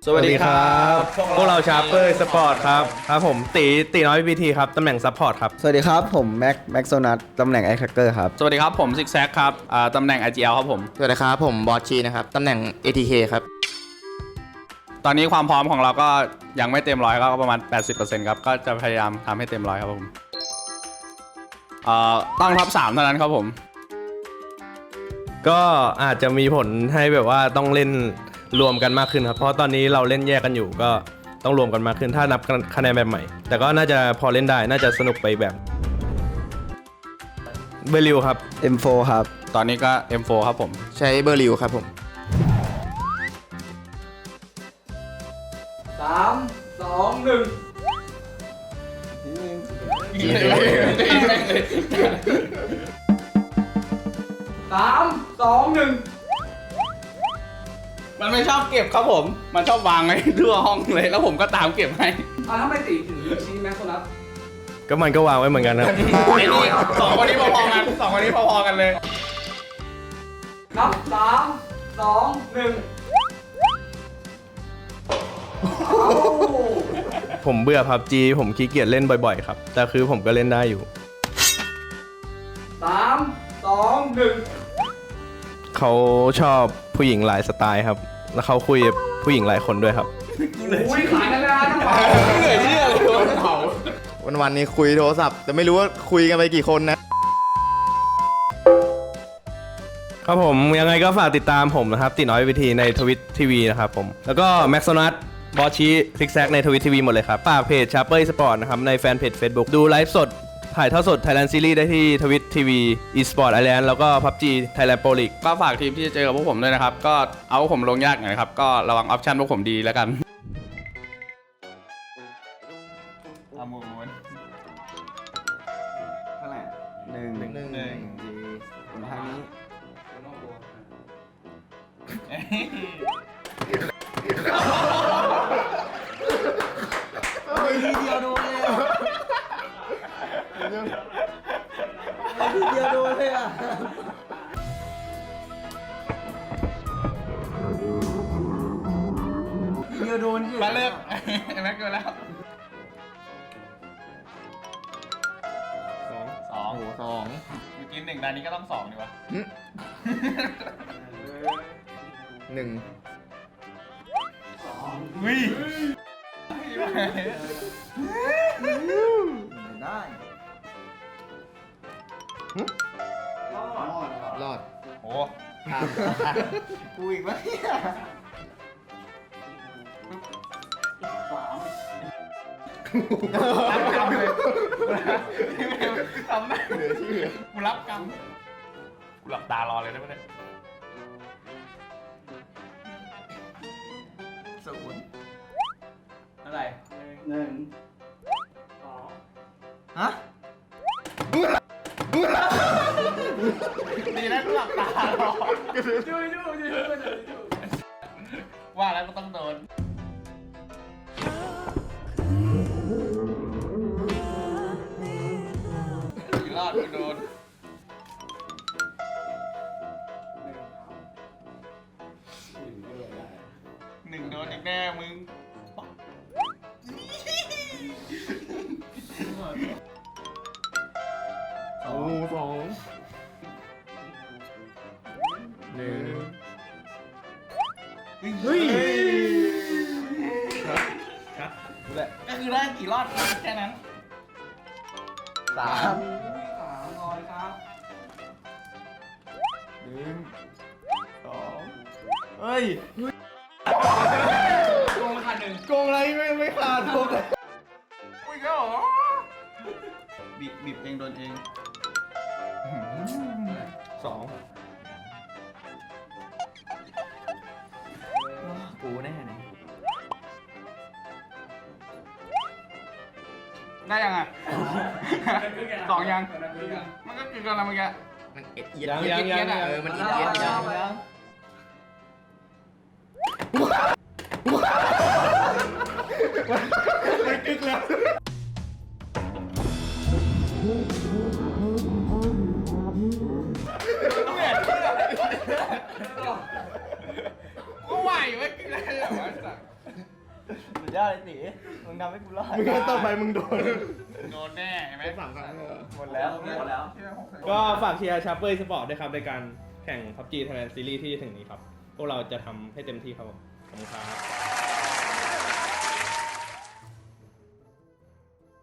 สวัสดีครับพวกเราชาร์เปอร์สปอร์ตครับผมตีน้อยพีทีครับตำแหน่งซัพพอร์ตครับสวัสดีครับผมแม็กโซนัทตำแหน่งไอแคคเกอร์ครับสวัสดีครับผมซิกแซกครับตำแหน่ง IGL ครับผมสวัสดีครับผมบอสชีนะครับตำแหน่ง ATK ครับตอนนี้ความพร้อมของเราก็ยังไม่เต็มร้อยก็ประมาณ 80%ครับก็จะพยายามทำให้เต็มร้อยครับผมต้องท็อป3เท่านั้นครับผมก็อาจจะมีผลให้แบบว่าต้องเล่นรวมกันมากขึ้นครับเพราะตอนนี้เราเล่นแยกกันอยู่ก็ต้องรวมกันมากขึ้นถ้านับคะแนนแบบใหม่แต่ก็น่าจะพอเล่นได้น่าจะสนุกไปแบบเบลิวครับ M4 ครับตอนนี้ก็ M4 ครับผมใช้เบอร์ริวครับผมมันไม่ชอบเก็บครับผมมันชอบวางไว้ทั่วห้องเลยแล้วผมก็ตามเก็บให้ทำไมตีถึงชี้แม็กโซนัทก็มันก็วางไว้เหมือนกันครับไอ้นี่สองคนนี้พอๆกันสองคนนี้พอๆกันเลยนับ3 2 1 ผมเบื่อพับจีผมขี้เกียจเล่นบ่อยๆครับแต่คือผมก็เล่นได้อยู่ 3 2 1 เขาชอบผู้หญิงหลายสไตล์ครับแล้วเขาคุยกับผู้หญิงหลายคนด้วยครับอุ้ยขายกันแล้วทั้งหมดเหนื่อยเชื่อเลยโดนเผาวันนี้คุยโทรศัพท์แต่ไม่รู้ว่าคุยกันไปกี่คนนะครับผมยังไงก็ฝากติดตามผมนะครับติน้อยวิธีในทวิตทีวีนะครับผมแล้วก็แม็กซ์โซนัทบอสชีซิกแซกในทวิตทีวีหมดเลยครับฝากเพจชาร์เปอร์สปอร์ตนะครับในแฟนเพจ Facebook ดูไลฟ์สดถ่ายทอดสด Thailand Series ได้ที่ทวิตทีวี eSport Island แล้วก็ PUBG Thailand Pro League ก็ฝากทีมที่จะเจอกับพวกผมด้วยนะครับก็เอาพวกผมลงยากหน่อยนะครับก็ระวังออปชั่นพวกผมดีแล้วกันอามูนเท่าไหร่หนึ่งดีคนทางนี้ทีเดียวโดนเลยอ่ะทีเดียวโดนเลยอ่ะทีเดียวโดนสิมาเลิกไอ้แม็กเกินแล้วสองสองเมื่อกี้1ตอนนี้ก็ต้อง2ดีวะหนึ่งวิ่งได้รอดโอ้กูอีกแล้วเนี่ยรับกรรมเลยทำได้เหลือชื่อกูรับกรรมกูหลับตารอเลยได้ไหมเนี่ยอะไร1 2 ฮะดีนะกูหลับตารอช่วยว่าแล้วก็ต้องโดนรอดกูโดน1โดนอีกแน่มึงโอ้สองหนึ่งเฮ้ยก็คือได้กี่รอดแค่นั้นสาม 3ร้อยครับหนึ่งสองเฮ้ยโกงขาด1 โกงอะไรไม่ขาดโกงเลยอุ้ยก็หรอบีบเองโดนเองสองกูแน่เลยได้ยังไงสองยังมันก็คือกันแล้วเมื่อกี้มันเอ็ดเอียดยังมันเอียดเอียดอยู่แล้วไม่กึกแล้วก็ไหวไว้กินอะไรเหรอวะสัสยอดเลยตีมึงทำให้กูรอดมึงก็ต่อไปมึงโดนโดนแน่ใช่ไหม 3 ครั้งเลยหมดแล้วหมดแล้วก็ฝากเชียร์ชาร์เปอร์สปอร์ตด้วยครับในการแข่ง PUBG Thailand Series ที่จะถึงนี้ครับ พวกเราจะทำให้เต็มที่ครับผมขอบคุณครับ